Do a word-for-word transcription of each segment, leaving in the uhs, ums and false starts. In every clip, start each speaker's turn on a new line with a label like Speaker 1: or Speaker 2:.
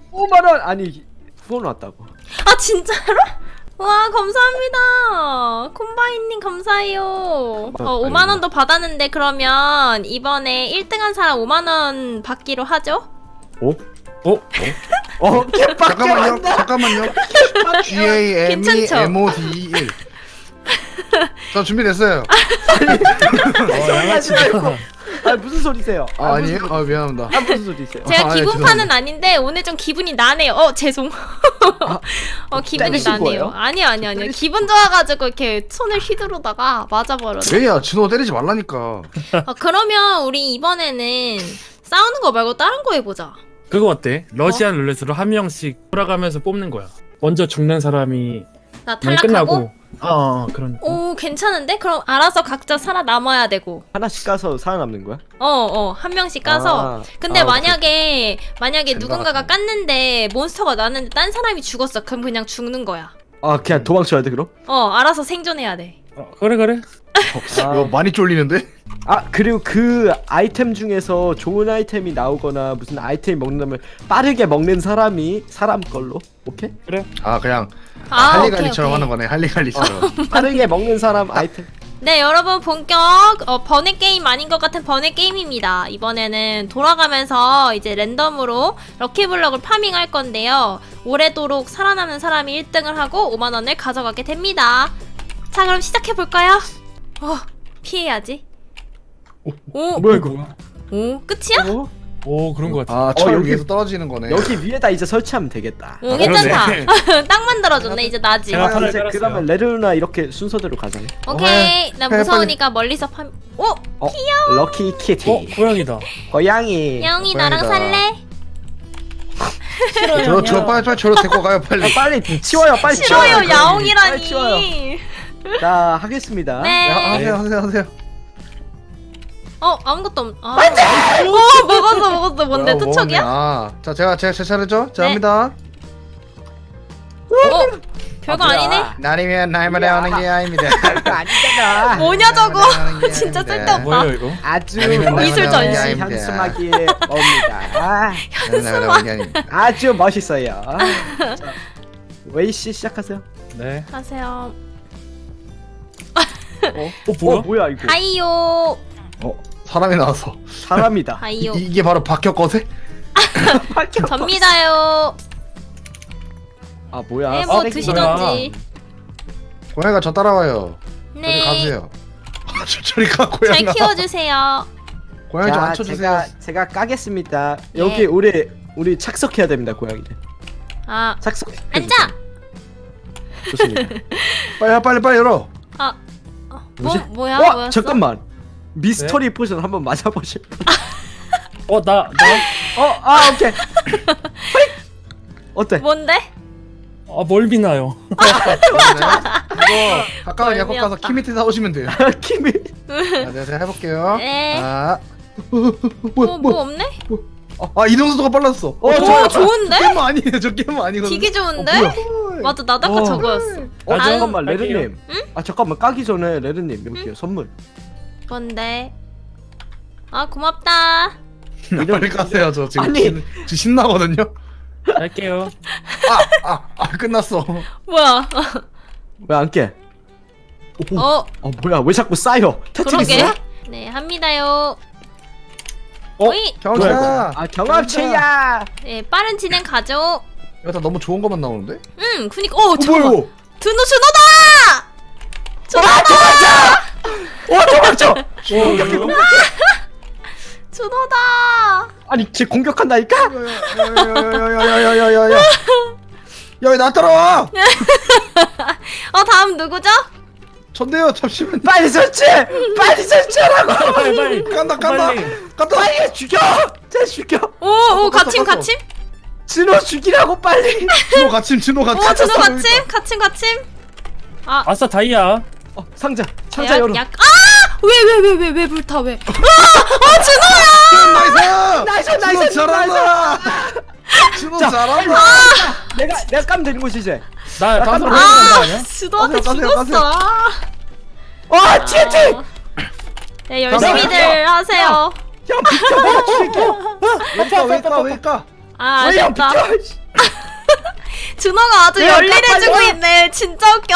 Speaker 1: 오만 원 아니 후원 왔다고.
Speaker 2: 아 진짜로? 와 감사합니다. 콤바인님 감사해요. 어, 오만 원도 받았는데 그러면 이번에 일 등 한 사람 오만 원 받기로 하죠?
Speaker 3: 어? 어?
Speaker 1: 어 개빡.
Speaker 4: 잠깐만요. 잠깐만요. G A M E
Speaker 2: 괜찮죠?
Speaker 4: M O D E 일. 저 준비됐어요.
Speaker 3: 어, 양아치다.
Speaker 1: 아 무슨 소리세요?
Speaker 4: 아, 아니에요? 아 미안합니다.
Speaker 1: 아 무슨 소리세요?
Speaker 2: 제가
Speaker 4: 아, 예,
Speaker 2: 기분파는
Speaker 4: 죄송합니다.
Speaker 2: 아닌데 오늘 좀 기분이 나네요. 어 죄송. 어 기분이
Speaker 1: 때리신
Speaker 2: 나네요.
Speaker 1: 거예요?
Speaker 2: 아니요 아니요 아니요. 기분 좋아가지고 이렇게 손을 휘두르다가 맞아버렸네.
Speaker 4: 왜야? 진호 때리지 말라니까.
Speaker 2: 어, 그러면 우리 이번에는 싸우는 거 말고 다른 거 해보자.
Speaker 3: 그거 어때? 러시안 룰렛으로 한 명씩 돌아가면서 뽑는 거야. 먼저 죽는 사람이
Speaker 2: 나
Speaker 3: 말
Speaker 2: 탈락하고.
Speaker 3: 끝나고. 어, 어 그런.
Speaker 2: 오 괜찮은데? 그럼 알아서 각자 살아남아야 되고.
Speaker 1: 하나씩 까서 살아남는 거야?
Speaker 2: 어어 한 명씩 까서.
Speaker 1: 아,
Speaker 2: 근데
Speaker 1: 아,
Speaker 2: 만약에 만약에
Speaker 4: 젠가
Speaker 2: 누군가가
Speaker 4: 같네.
Speaker 2: 깠는데 몬스터가 나는데 딴 사람이 죽었어. 그럼 그냥 죽는 거야.
Speaker 1: 아 그냥 도망쳐야 돼 그럼?
Speaker 2: 어 알아서 생존해야 돼.
Speaker 3: 어, 그래 그래.
Speaker 4: 이거 많이 쫄리는데?
Speaker 1: 아 그리고 그 아이템 중에서 좋은 아이템이 나오거나 무슨 아이템이 먹는다면 빠르게 먹는 사람이 사람 걸로 오케이?
Speaker 4: 아 그냥
Speaker 2: 아,
Speaker 4: 할리갈리처럼
Speaker 2: 오케이,
Speaker 4: 하는
Speaker 2: 오케이.
Speaker 4: 거네. 할리갈리처럼.
Speaker 1: 빠르게 먹는 사람 아이템.
Speaker 2: 네 여러분 본격 어, 번외 게임 아닌 것 같은 번외 게임입니다. 이번에는 돌아가면서 이제 랜덤으로 럭키블럭을 파밍할 건데요. 오래도록 살아남는 사람이 일 등을 하고 오만 원을 가져가게 됩니다. 자 그럼 시작해볼까요? 어 피해야지. 오,
Speaker 1: 뭐야 이거?
Speaker 2: 오 끝이야?
Speaker 1: 어?
Speaker 3: 오 그런 거 같아.
Speaker 4: 아, 철
Speaker 1: 여기-
Speaker 4: 위에서 떨어지는 거네.
Speaker 1: 여기 위에다 이제 설치하면 되겠다.
Speaker 2: 오
Speaker 4: 아,
Speaker 2: 괜찮다.
Speaker 3: 그러네.
Speaker 2: 딱 만들어줬네 이제 나지.
Speaker 3: 제가
Speaker 1: 아,
Speaker 3: 판을
Speaker 1: 이제
Speaker 3: 깔았어요.
Speaker 1: 그러면 레르나 이렇게 순서대로 가자.
Speaker 2: 오케이 나
Speaker 4: 해,
Speaker 2: 무서우니까 멀리서 파밍. 오
Speaker 1: 어? 럭키 키티.
Speaker 3: 어 고양이다.
Speaker 1: 고양이.
Speaker 2: 야옹이 나랑
Speaker 4: 고양이다.
Speaker 2: 살래?
Speaker 4: 저, 저 빨리 빨리 저로 데리고 가요 빨리.
Speaker 1: 아, 빨리 치워요 빨리
Speaker 2: 싫어요
Speaker 1: 치워요. 빨리
Speaker 2: 야옹이라니.
Speaker 1: 치워요. 자 하겠습니다.
Speaker 2: 네.
Speaker 4: 야, 하세요 하세요 하세요.
Speaker 2: 어 아무것도 없. 아. 오 먹었어 먹었어 뭔데
Speaker 4: 뭐야,
Speaker 2: 투척이야?
Speaker 4: 먹었네. 아, 자 제가 제가 제 차례죠. 자
Speaker 2: 네.
Speaker 4: 합니다.
Speaker 2: 어 별거
Speaker 1: 아, 뭐야.
Speaker 2: 아니네.
Speaker 4: 날이면 날마다 오는 게 아닙니다.
Speaker 1: 아니잖아.
Speaker 2: 뭐냐 저거.
Speaker 4: 날마다 오는 게
Speaker 2: 진짜
Speaker 4: 아닙니다.
Speaker 2: 쓸데없다.
Speaker 3: 뭐예요 이거?
Speaker 1: 아주
Speaker 4: 아니면
Speaker 2: 미술
Speaker 4: 날마다 오는 게
Speaker 2: 전시.
Speaker 4: 아닙니다.
Speaker 1: 현수막이 옵니다. 아,
Speaker 4: 날마다 오는 게 아닙니다.
Speaker 1: 아주 멋있어요. 자, 웨이 씨 시작하세요.
Speaker 3: 네.
Speaker 2: 하세요.
Speaker 1: 어,
Speaker 3: 어 뭐야?
Speaker 1: 어, 뭐야 이거?
Speaker 2: 하이요.
Speaker 4: 어 사람이 나왔어.
Speaker 1: 사람이다.
Speaker 2: 하이요.
Speaker 4: 이, 이게 바로 박혁 거세?
Speaker 2: 접니다요.
Speaker 1: 아 뭐야?
Speaker 2: 네 뭐
Speaker 1: 쓰레기.
Speaker 2: 드시던지.
Speaker 4: 고양이가 저 따라와요. 저리
Speaker 2: 네.
Speaker 4: 가세요. 저, 저리 가
Speaker 2: 잘
Speaker 4: 고양이가.
Speaker 2: 키워주세요.
Speaker 4: 고양이 좀
Speaker 1: 자,
Speaker 4: 앉혀주세요.
Speaker 1: 제가 제가 까겠습니다.
Speaker 2: 예.
Speaker 1: 여기 우리 우리 착석해야 됩니다, 고양이들.
Speaker 2: 아
Speaker 1: 착석.
Speaker 2: 앉아.
Speaker 1: 좋습니다.
Speaker 4: 빨리 빨리 빨리 열어.
Speaker 2: 아 어, 뭐
Speaker 1: 뭐지?
Speaker 2: 뭐야
Speaker 1: 와,
Speaker 2: 뭐였어?
Speaker 1: 잠깐만. 미스터리 포션 한번 맞아보실 분?
Speaker 3: 어 나 나.
Speaker 1: 어, 아 오케이. 어때?
Speaker 2: 뭔데?
Speaker 3: 아 멀미나요.
Speaker 4: 이거 가까운 약국 가서
Speaker 2: 멀미였다.
Speaker 4: 키미트 사오시면 돼요.
Speaker 1: 김이.
Speaker 4: 아, 네, 제가 해볼게요.
Speaker 2: 네.
Speaker 4: 아,
Speaker 2: 뭐 뭐 없네?
Speaker 4: 아 이동 속도가 빨랐어.
Speaker 1: 어,
Speaker 2: 오
Speaker 1: 저-
Speaker 2: 좋은데?
Speaker 4: 게임 아니에요. 저 게임 아니거든요.
Speaker 2: 되게 좋은데?
Speaker 4: 어, 뭐야?
Speaker 2: 맞아 나도 아까
Speaker 1: 어.
Speaker 2: 저거였어.
Speaker 1: 어
Speaker 2: 아,
Speaker 1: 잠깐만
Speaker 3: 갈게요.
Speaker 1: 레르님. 아 잠깐만 까기 전에 레르님 여기요 선물.
Speaker 2: 뭔데? 아 고맙다.
Speaker 4: 빨리 가세요. 저 지금
Speaker 1: 아니.
Speaker 4: 신, 저 신나거든요.
Speaker 3: 갈게요.
Speaker 4: 아, 아, 아 끝났어.
Speaker 2: 뭐야?
Speaker 1: 왜 안 깨? 오.
Speaker 2: 어
Speaker 1: 어 뭐야 왜 자꾸 쌓여? 테트리스?
Speaker 2: 그러게. 네 합니다요.
Speaker 4: 어,
Speaker 2: 어이.
Speaker 4: 경찰.
Speaker 1: 아 경합체야.
Speaker 2: 네 빠른 진행 가죠.
Speaker 4: 이거 다 너무 좋은 것만 나오는데?
Speaker 2: 응 그니까 어
Speaker 4: 어,
Speaker 2: 잠깐만.
Speaker 4: 뭐야?
Speaker 2: 준호 준호다.
Speaker 1: 아 도망쳐! 어 도망쳐!
Speaker 3: 어,
Speaker 2: 준호다.
Speaker 1: 아니 쟤 공격한다니까?
Speaker 4: 야야야야야야야야야야. 야, 왜 나 따라와?
Speaker 2: 어 다음 누구죠?
Speaker 4: 전데요. 잠시만.
Speaker 1: 빨리 설치해! 빨리 설치하라고!
Speaker 3: 빨리 빨리.
Speaker 4: 간다 간다.
Speaker 3: 빨리.
Speaker 4: 간다.
Speaker 1: 빨리 죽여! 쟤 죽여!
Speaker 2: 오오
Speaker 4: 갔어,
Speaker 2: 갇힘
Speaker 4: 갔어.
Speaker 2: 갇힘.
Speaker 1: 진호 죽이라고 빨리!
Speaker 4: 진호 갇힘 진호 갇힘.
Speaker 2: 오 준호 갇힘 갇힘 갇힘. 아
Speaker 3: 아싸 다이아.
Speaker 1: 어 상자! 상자 열어!
Speaker 2: 아왜 왜 왜 왜 왜 불타 왜?
Speaker 4: 나이스.
Speaker 1: 나이스,
Speaker 4: 진호
Speaker 1: 나이스,
Speaker 4: 잘한다. 진호
Speaker 1: 자,
Speaker 4: 잘한다.
Speaker 1: 내가 내가 까면 되는 거지 이제!
Speaker 3: 나 깜짝
Speaker 1: 아,
Speaker 3: 놀란 거
Speaker 2: 아
Speaker 3: 아니야?
Speaker 2: 준호한테
Speaker 4: 가세요, 가세요,
Speaker 2: 죽었어.
Speaker 1: 아 티티!
Speaker 2: 네 열심히들 하세요.
Speaker 1: 형 비켜 내가 죽일게!
Speaker 4: 왜까 왜까 왜까.
Speaker 2: 아
Speaker 1: 왜요?
Speaker 2: 아쉽다.
Speaker 1: 비켜! 씨.
Speaker 2: 준호가 아주
Speaker 1: 왜요?
Speaker 2: 열일해주고
Speaker 1: 깜빡이야.
Speaker 2: 있네. 진짜 웃겨.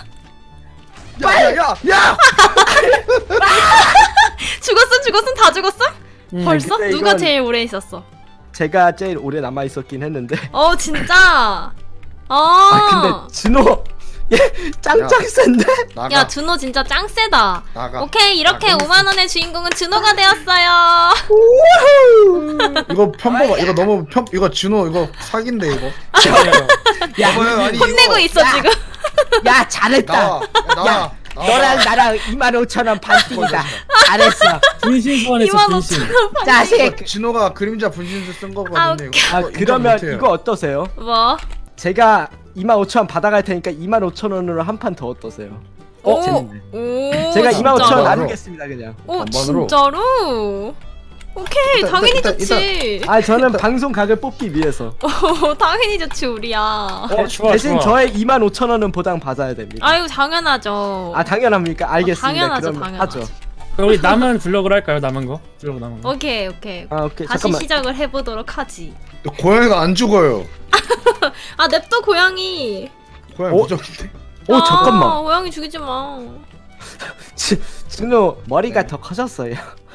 Speaker 4: 야야야 야!
Speaker 2: 죽었음 죽었음 다 죽었음?
Speaker 3: 음.
Speaker 2: 벌써?
Speaker 1: 근데
Speaker 2: 누가
Speaker 1: 이건-
Speaker 2: 제일 오래 있었어?
Speaker 1: 제가 제일 오래 남아 있었긴 했는데.
Speaker 2: 어 진짜. 어.
Speaker 1: 아 근데 준호 얘 짱짱 센데?
Speaker 4: 나가
Speaker 2: 야 준호 진짜 짱 세다.
Speaker 4: 나가
Speaker 2: 오케이 이렇게
Speaker 4: 나가.
Speaker 2: 오만 원의 주인공은 준호가 되었어요.
Speaker 4: 이거 편법 이거 너무 편 이거 준호 이거 사기인데 이거
Speaker 1: 야,
Speaker 4: 여보요, 아니,
Speaker 2: 혼내고
Speaker 4: 이거-
Speaker 2: 있어
Speaker 1: 야.
Speaker 2: 지금.
Speaker 1: 야 잘했다.
Speaker 4: 나와 야, 나와
Speaker 1: 야,
Speaker 4: 나와.
Speaker 1: 너랑 나랑 이만 오천 원 반띵이다. 잘했어.
Speaker 3: 분신 소환했어
Speaker 2: 이만
Speaker 3: 분신.
Speaker 2: 오천 원
Speaker 1: 자식.
Speaker 4: 이거 진호가 그림자 분신술 쓴
Speaker 2: 아,
Speaker 4: 거거든요
Speaker 2: 웃겨.
Speaker 1: 아
Speaker 4: 이거 인정
Speaker 1: 그러면
Speaker 4: 못해요.
Speaker 1: 이거 어떠세요?
Speaker 2: 뭐?
Speaker 1: 제가 이만 오천 원 받아갈 테니까 이만 오천 원으로 한 판 더 어떠세요?
Speaker 2: 오.
Speaker 1: 재밌네.
Speaker 2: 오.
Speaker 1: 제가
Speaker 2: 진짜.
Speaker 1: 이만 오천 원
Speaker 4: 진짜로?
Speaker 1: 나누겠습니다 그냥.
Speaker 2: 오
Speaker 4: 반반으로.
Speaker 2: 진짜로? 오케이
Speaker 4: 일단,
Speaker 2: 당연히
Speaker 4: 일단,
Speaker 2: 좋지.
Speaker 1: 아 저는 방송 각을 뽑기 위해서.
Speaker 2: 오 당연히 좋지 우리야.
Speaker 3: 어 좋아
Speaker 1: 대신
Speaker 3: 좋아.
Speaker 1: 저의 이만 오천 원은 보장 받아야 됩니다.
Speaker 2: 아유 당연하죠.
Speaker 1: 아 당연합니까? 알겠습니다.
Speaker 2: 당연하죠,
Speaker 1: 그럼
Speaker 2: 당연하죠.
Speaker 1: 하죠.
Speaker 3: 그럼 우리 남은 블럭으로 할까요? 남은 거? 블럭 남은 거.
Speaker 2: 오케이 오케이.
Speaker 1: 아 오케이
Speaker 2: 다시
Speaker 1: 잠깐만.
Speaker 2: 시작을 해보도록 하지.
Speaker 4: 고양이가 안 죽어요
Speaker 2: 아 냅둬 고양이.
Speaker 4: 고양이
Speaker 1: 어?
Speaker 4: 무적인데
Speaker 1: 오
Speaker 2: 아,
Speaker 1: 잠깐만.
Speaker 2: 고양이 죽이지 마.
Speaker 1: 지- 진호 머리가
Speaker 4: 네.
Speaker 1: 더 커졌어요.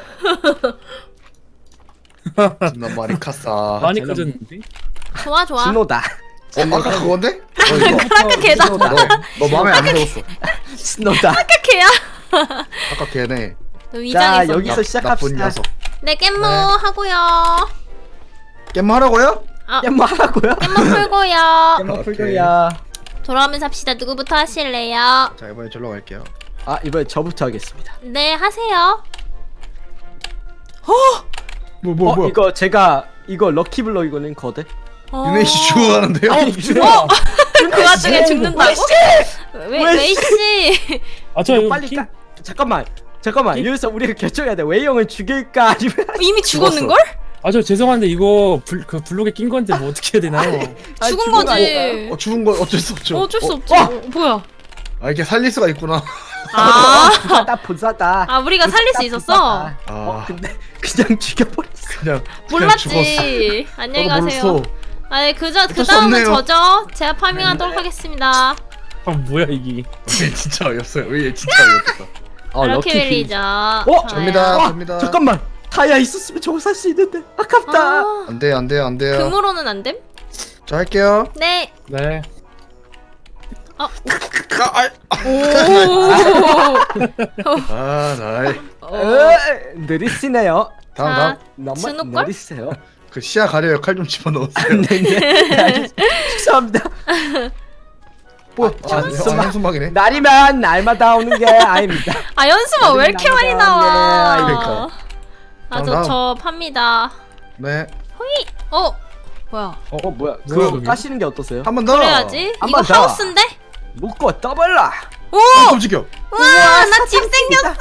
Speaker 4: 진짜 말이 카싸
Speaker 3: 많이
Speaker 1: 저는-
Speaker 3: 커졌는데?
Speaker 2: 좋아 좋아.
Speaker 1: 진호다.
Speaker 4: 어 아까 그건데? 어 이거
Speaker 2: 아까 걔다.
Speaker 1: 진호다.
Speaker 4: 너, 너 마음에 안 들었어
Speaker 1: 진호다.
Speaker 2: 아까 걔야.
Speaker 4: 아까 걔네
Speaker 2: 너
Speaker 1: 자
Speaker 2: 위장했어.
Speaker 1: 여기서
Speaker 4: 나쁜
Speaker 1: 시작합시다.
Speaker 4: 녀석
Speaker 2: 네 깻모
Speaker 4: 네.
Speaker 2: 하고요.
Speaker 4: 게임 하라고요?
Speaker 2: 아
Speaker 1: 깻뭐 하라고요?
Speaker 2: 깻모 풀고요.
Speaker 1: 깻뭐
Speaker 4: 오케이.
Speaker 1: 풀고야.
Speaker 2: 돌아오면서 합시다. 누구부터 하실래요?
Speaker 4: 자 이번에 절로 갈게요
Speaker 1: 아 이번에 저부터 하겠습니다.
Speaker 2: 네 하세요.
Speaker 4: 뭐 뭐
Speaker 1: 어
Speaker 4: 뭐
Speaker 1: 이거 제가 이거 럭키블럭 이거는 거대.
Speaker 2: 어...
Speaker 4: 유네이씨 죽어가는데요?
Speaker 1: 아니,
Speaker 3: 준호야.
Speaker 2: 그 와중에 죽는다고? 왜
Speaker 1: 왜
Speaker 2: 왜씨?
Speaker 3: 아저
Speaker 1: 이거
Speaker 3: 이거
Speaker 1: 빨리
Speaker 3: 키-
Speaker 1: 까. 잠깐만. 잠깐만 여기서 우리가 결정해야 돼. 웨이 형을 죽일까 아니면
Speaker 2: 이미 죽었는 걸?
Speaker 3: 아 저 죄송한데 이거 불, 그 블록에 낀 건데 뭐 어떻게 해야 되나요?
Speaker 1: 아니,
Speaker 2: 죽은
Speaker 1: 죽은 거
Speaker 2: 거지.
Speaker 4: 어 죽은 거 어쩔 수 없죠
Speaker 2: 어쩔 수
Speaker 4: 어,
Speaker 2: 없지.
Speaker 1: 어!
Speaker 2: 어, 뭐야?
Speaker 4: 아 이렇게 살릴 수가 있구나
Speaker 2: 아,
Speaker 1: 부사다 부사다.
Speaker 2: 아 우리가 살릴 수
Speaker 1: 부사다,
Speaker 2: 있었어?
Speaker 1: 부사다.
Speaker 4: 아.
Speaker 1: 어 근데 그냥 죽여버렸어.
Speaker 4: 그냥 그냥 죽었어
Speaker 2: 몰랐지. 안녕히
Speaker 4: 나도
Speaker 2: 가세요.
Speaker 4: 몰랐어.
Speaker 2: 아니 그저 그
Speaker 4: 어쩔 수
Speaker 2: 다음은
Speaker 4: 없네요.
Speaker 2: 저죠. 제가 파밍하도록 하겠습니다.
Speaker 3: 아 뭐야 이게?
Speaker 4: 얘 진짜 어이없어요 얘 진짜 어이없어
Speaker 1: 어
Speaker 2: 럭키벨리죠.
Speaker 1: 어,
Speaker 4: 접니다.
Speaker 1: 아,
Speaker 4: 갑니다.
Speaker 1: 잠깐만. 타이어 있었으면 저거 살 수 있는데 아깝다.
Speaker 2: 아,
Speaker 4: 안돼요 안돼요 안돼요
Speaker 2: 금으로는 안 됨?
Speaker 4: 자 할게요
Speaker 2: 네.
Speaker 3: 네.
Speaker 4: 아, 아,
Speaker 2: 오.
Speaker 4: 아 나이
Speaker 1: 어, 느리시네요.
Speaker 4: 다음
Speaker 2: 자,
Speaker 4: 다음
Speaker 1: 너무
Speaker 2: 진우걸?
Speaker 1: 느리세요.
Speaker 4: 그 시야 가려요 칼 좀 집어넣었어요
Speaker 1: 네네. 알겠습니다. 죄송합니다. 뭐
Speaker 4: 아,
Speaker 1: 자,
Speaker 4: 아,
Speaker 1: 숨-
Speaker 4: 한숨막이네
Speaker 1: 날이면 날마다 오는 게 아닙니다.
Speaker 2: 아 연수가 왜 이렇게 많이 나와?
Speaker 1: 네,
Speaker 4: 그러니까.
Speaker 2: 아
Speaker 4: 다음,
Speaker 2: 저 저 팝니다.
Speaker 4: 네
Speaker 2: 어 뭐야?
Speaker 1: 어, 어 뭐야?
Speaker 3: 뭐야,
Speaker 1: 그거
Speaker 3: 그게?
Speaker 1: 까시는 게 어떠세요?
Speaker 4: 한 번 더
Speaker 2: 그래야지.
Speaker 1: 한
Speaker 2: 이거
Speaker 1: 번 더.
Speaker 2: 하우스인데?
Speaker 1: 묶고 떠벌라.
Speaker 2: 오!
Speaker 4: 아, 깜짝이야
Speaker 2: 우와 나 집 생겼어.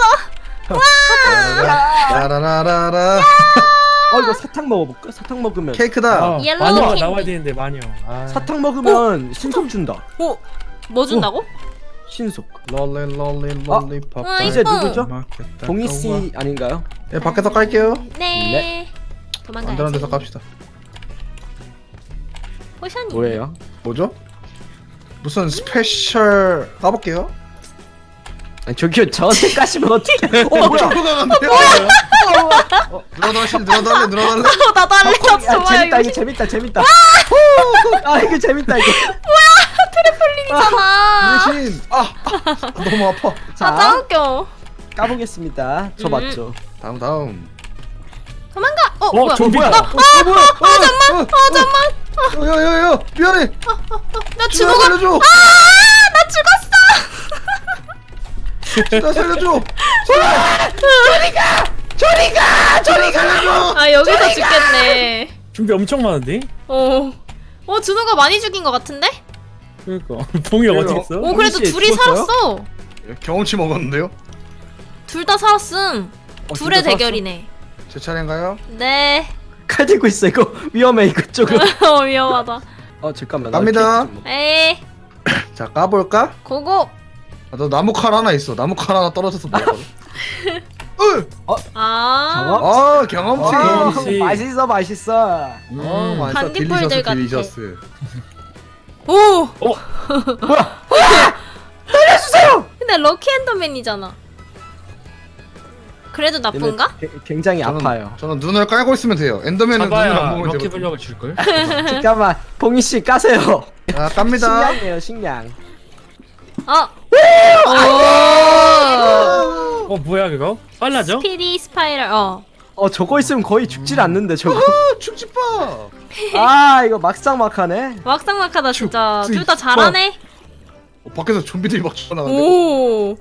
Speaker 4: 라라라라라
Speaker 1: 어 이거 사탕 먹어볼까? 사탕 먹으면
Speaker 4: 케이크다
Speaker 3: 아,
Speaker 2: 옐로우
Speaker 3: 마녀가
Speaker 2: 캔디.
Speaker 3: 나와야 되는데 마녀. 아.
Speaker 1: 사탕 먹으면 신속 준다.
Speaker 2: 오. 뭐 준다고?
Speaker 1: 신속.
Speaker 4: 롤리 롤리 롤리팝
Speaker 2: 아,
Speaker 1: 이제
Speaker 2: 이뻐.
Speaker 1: 누구죠? 동희 씨 아닌가요?
Speaker 4: 예 밖에서 깔게요
Speaker 2: 네. 도망가야지.
Speaker 4: 안전한 데서 깝시다
Speaker 2: 포션이.
Speaker 1: 뭐예요?
Speaker 4: 뭐죠? 무슨 스페셜 까볼게요
Speaker 1: 아니, 저기요 저한테 까시면 어떡해? 어 뭐야?
Speaker 4: 들어가는데요? 어, 늘어달래 늘어달래 늘어달래
Speaker 2: 어, 나도 할래.
Speaker 1: 아,
Speaker 2: 좋아요.
Speaker 1: 재밌다
Speaker 2: 이거
Speaker 1: 이거 재밌다 재밌다. 아 이거 재밌다 이거.
Speaker 2: 재밌잖아.
Speaker 4: 대신 아, 아 너무 아파
Speaker 2: 아, 짱
Speaker 1: 자
Speaker 2: 웃겨.
Speaker 1: 까보겠습니다. 저
Speaker 2: 음.
Speaker 1: 맞죠?
Speaker 4: 다음 다음
Speaker 2: 도망가. 어,
Speaker 3: 어
Speaker 2: 뭐야?
Speaker 3: 좀비다.
Speaker 1: 어 뭐야?
Speaker 4: 아 잠만 아 잠만 야야야야 미안해
Speaker 2: 나
Speaker 4: 진아
Speaker 2: 준호가
Speaker 4: 살려줘
Speaker 2: 아, 나 죽었어.
Speaker 4: 진아 살려줘
Speaker 1: 저리가 저리가.
Speaker 4: 살려줘
Speaker 2: 아, 여기서 죽겠네.
Speaker 3: 좀비 엄청 많은데?
Speaker 2: 어. 어, 준호가 많이 죽인 것 같은데?
Speaker 3: 그러니까 봉이가
Speaker 1: 그래요?
Speaker 3: 어떻게 했어?
Speaker 2: 오, 그래도
Speaker 1: 씨
Speaker 2: 둘이
Speaker 1: 죽었어요?
Speaker 2: 살았어.
Speaker 4: 경험치 먹었는데요?
Speaker 2: 둘 다 살았음.
Speaker 1: 어,
Speaker 2: 둘의
Speaker 1: 진짜
Speaker 2: 대결이네.
Speaker 4: 제 차례인가요?
Speaker 2: 네.
Speaker 1: 칼 들고 있어 이거 위험해 이거 조금.
Speaker 2: 어, 위험하다.
Speaker 1: 어 잠깐만.
Speaker 4: 갑니다.
Speaker 2: 에이,
Speaker 4: 자 까볼까?
Speaker 2: 고고.
Speaker 4: 아, 너 나무 칼 하나 있어 나무 칼 하나 떨어져서 먹거든
Speaker 2: 아,
Speaker 1: 저거?
Speaker 4: 아 경험치.
Speaker 1: 어,
Speaker 3: 경험치.
Speaker 1: 맛있어 맛있어.
Speaker 3: 음.
Speaker 4: 어 맛있어.
Speaker 2: 반딧불들
Speaker 4: 딜리셔스
Speaker 2: 같아.
Speaker 4: 딜리셔스.
Speaker 2: 오!
Speaker 3: 어?
Speaker 2: 근데 럭키 엔더맨이잖아. 그래도 나쁜가?
Speaker 1: 얘는 게- 굉장히
Speaker 4: 저는,
Speaker 1: 아파요.
Speaker 4: 저는 눈을 깔고 있으면 돼요. 엔더맨은 눈을 안
Speaker 3: 가봐야
Speaker 4: 보면
Speaker 3: 럭키
Speaker 4: 되거든요.
Speaker 3: 블럭을 줄걸?
Speaker 1: 잠깐만 봉희 씨 까세요.
Speaker 4: 아 깝니다.
Speaker 1: 식량이에요 식량.
Speaker 2: 어! 오!
Speaker 3: 어 뭐야 그거? 빨라져?
Speaker 2: 스피디 스파이럴, 어.
Speaker 1: 어 저거 있으면 거의 죽질 않는데 저거.
Speaker 4: 아 축지파.
Speaker 1: 아 이거 막상 막하네.
Speaker 2: 막상막하다 진짜.
Speaker 4: 쭉,
Speaker 2: 둘 다
Speaker 4: 쭉,
Speaker 2: 잘하네?
Speaker 4: 어, 밖에서 좀비들이 막 튀어나가는데.
Speaker 2: 오!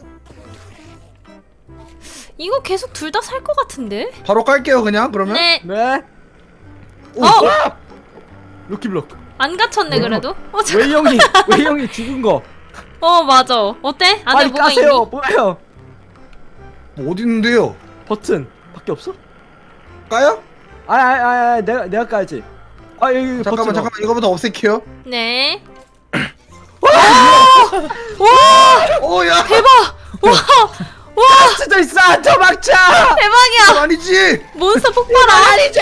Speaker 2: 이거 계속 둘 다 살 것 같은데?
Speaker 4: 바로 깔게요 그냥 그러면.
Speaker 2: 네.
Speaker 1: 네.
Speaker 2: 어!
Speaker 1: 루키블럭.
Speaker 2: 안 갇혔네 그래도? 어, 저,
Speaker 1: 웨이 형이 웨이 형이 죽은 거.
Speaker 2: 어 맞아. 어때? 안에
Speaker 1: 빨리
Speaker 2: 뭐가
Speaker 1: 까세요.
Speaker 2: 있니?
Speaker 1: 뭐예요?
Speaker 4: 뭐 어디 있는데요?
Speaker 1: 버튼 밖에 없어?
Speaker 4: 까요?
Speaker 1: 아아아 아, 아, 내가 내가 까야지. 아 여기 여기
Speaker 4: 잠깐만
Speaker 1: 버튼.
Speaker 4: 잠깐만 이거부터 없앨게요.
Speaker 2: 네.
Speaker 4: 오야.
Speaker 2: 대박! 와! 와!
Speaker 1: 진짜 있어. 도망쳐.
Speaker 2: 대박이야!
Speaker 4: 아니지.
Speaker 2: 몬스터 폭발아!
Speaker 1: 아니지.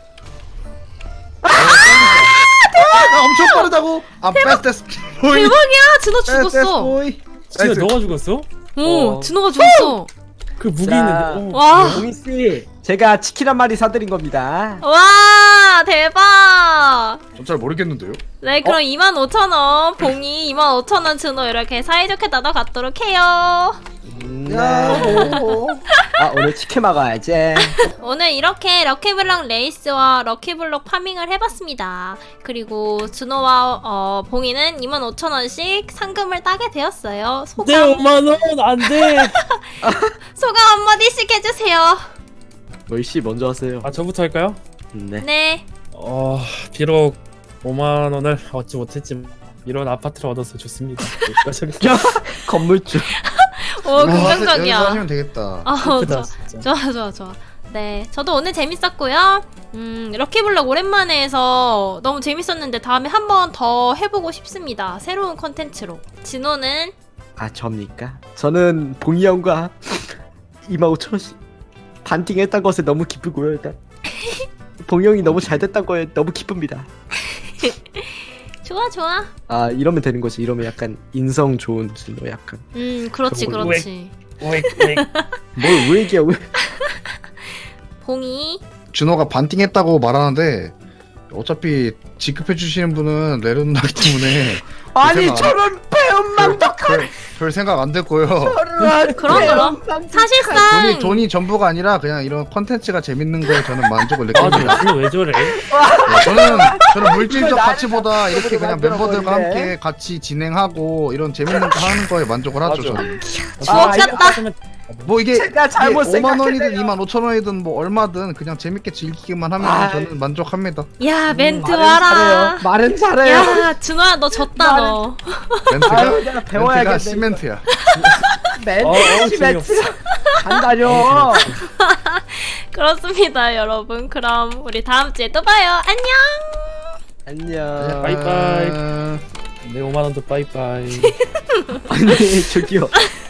Speaker 4: 나 엄청 빠르다고. 아 패스트 보이.
Speaker 2: 대박이야! 진호
Speaker 4: 패스트
Speaker 2: 죽었어.
Speaker 4: 보이.
Speaker 3: 진짜 너가 죽었어?
Speaker 2: 오,
Speaker 1: 어.
Speaker 2: 진호가 죽었어.
Speaker 3: 그 무기
Speaker 1: 자.
Speaker 3: 있는데 어.
Speaker 2: 와!
Speaker 1: 봉희 씨, 제가 치킨 한 마리 사드린 겁니다.
Speaker 2: 와! 대박!
Speaker 4: 전잘 모르겠는데요.
Speaker 2: 네, 그럼 이만 오천 원, 봉이 이만 오천 원 진호 이렇게 사이좋게 나눠갖도록 해요.
Speaker 1: 음, 네.
Speaker 4: 야호.
Speaker 1: 아 오늘 치킨 먹어야지.
Speaker 2: 오늘 이렇게 럭키블럭 레이스와 럭키블럭 파밍을 해봤습니다. 그리고 준호와 어, 봉이는 이만 오천 원씩 상금을 따게 되었어요.
Speaker 3: 내
Speaker 2: 소감,
Speaker 3: 오만 원 안돼.
Speaker 2: 소감 한마디씩 해주세요.
Speaker 1: 로이 씨 먼저 하세요.
Speaker 3: 아 저부터 할까요?
Speaker 1: 네.
Speaker 2: 네.
Speaker 3: 어 비록 오만 원을 얻지 못했지만 이런 아파트를 얻어서 좋습니다. 여기까지 하겠습니다.
Speaker 1: 건물주.
Speaker 2: 오,
Speaker 4: 여기서
Speaker 2: 긍정적이야.
Speaker 4: 하시면 되겠다.
Speaker 2: 아,
Speaker 3: 크다,
Speaker 2: 좋아.
Speaker 3: 진짜.
Speaker 2: 좋아, 좋아, 좋아. 네, 저도 오늘 재밌었고요. 음, 럭키블럭 오랜만에 해서 너무 재밌었는데 다음에 한 번 더 해보고 싶습니다. 새로운 컨텐츠로. 진호는
Speaker 1: 아 접니까? 저는 봉이 형과 이만 오천 원씩 반띵했던 것에 너무 기쁘고요. 일단 봉이 형이 너무 잘 됐던 거에 너무 기쁩니다.
Speaker 2: 좋아, 좋아.
Speaker 1: 아 이러면 되는 거지. 이러면 약간 인성 좋은 진호 약간.
Speaker 2: 음, 그렇지,
Speaker 1: 그거
Speaker 2: 그렇지.
Speaker 3: 오익 오익.
Speaker 1: 뭘왜 얘기야 왜?
Speaker 2: 봉이.
Speaker 4: 준호가 반띵했다고 말하는데 어차피 지급해 주시는 분은 레르누나기 때문에
Speaker 1: 아니
Speaker 4: 생각 안-
Speaker 1: 저는 배은망덕한
Speaker 4: 별, 별 생각 안 됐고요.
Speaker 2: 그럼, 그럼. 사실상
Speaker 4: 돈이 돈이 전부가 아니라 그냥 이런 컨텐츠가 재밌는 거에 저는 만족을
Speaker 3: 아
Speaker 4: 느낍니다.
Speaker 3: 너 왜 저래?
Speaker 4: 네, 저는 저는 물질적
Speaker 1: 이걸
Speaker 4: 가치보다 이렇게 그냥
Speaker 1: 만들어
Speaker 4: 멤버들과
Speaker 1: 버리네.
Speaker 4: 함께 같이 진행하고 이런 재밌는 거 하는 거에 만족을 하죠.
Speaker 3: 맞아.
Speaker 4: 저는.
Speaker 1: 아,
Speaker 2: 주옥같다.
Speaker 4: 뭐 이게,
Speaker 1: 제가 잘못
Speaker 4: 이게 오만 원이든
Speaker 1: 생각했네요.
Speaker 4: 이만 오천 원이든 뭐 얼마든 그냥 재밌게 즐기기만 하면
Speaker 1: 아,
Speaker 4: 저는 만족합니다.
Speaker 2: 야, 멘트
Speaker 1: 말은
Speaker 2: 와라.
Speaker 1: 잘해요. 말은 잘해요.
Speaker 2: 야, 준호야, 너 졌다, 너.
Speaker 4: 멘트가
Speaker 1: 아유 내가
Speaker 4: 멘트가
Speaker 1: 배워야겠네.
Speaker 4: 시멘트야.
Speaker 1: 멘트
Speaker 3: 어, 어,
Speaker 1: 시멘트.
Speaker 3: 재미없어.
Speaker 1: 간다뇨.
Speaker 2: 그렇습니다, 여러분. 그럼 우리 다음 주에 또 봐요. 안녕!
Speaker 1: 안녕.
Speaker 3: 바이바이. 내 오만 원도 빠이빠이.
Speaker 1: 아니 저기요.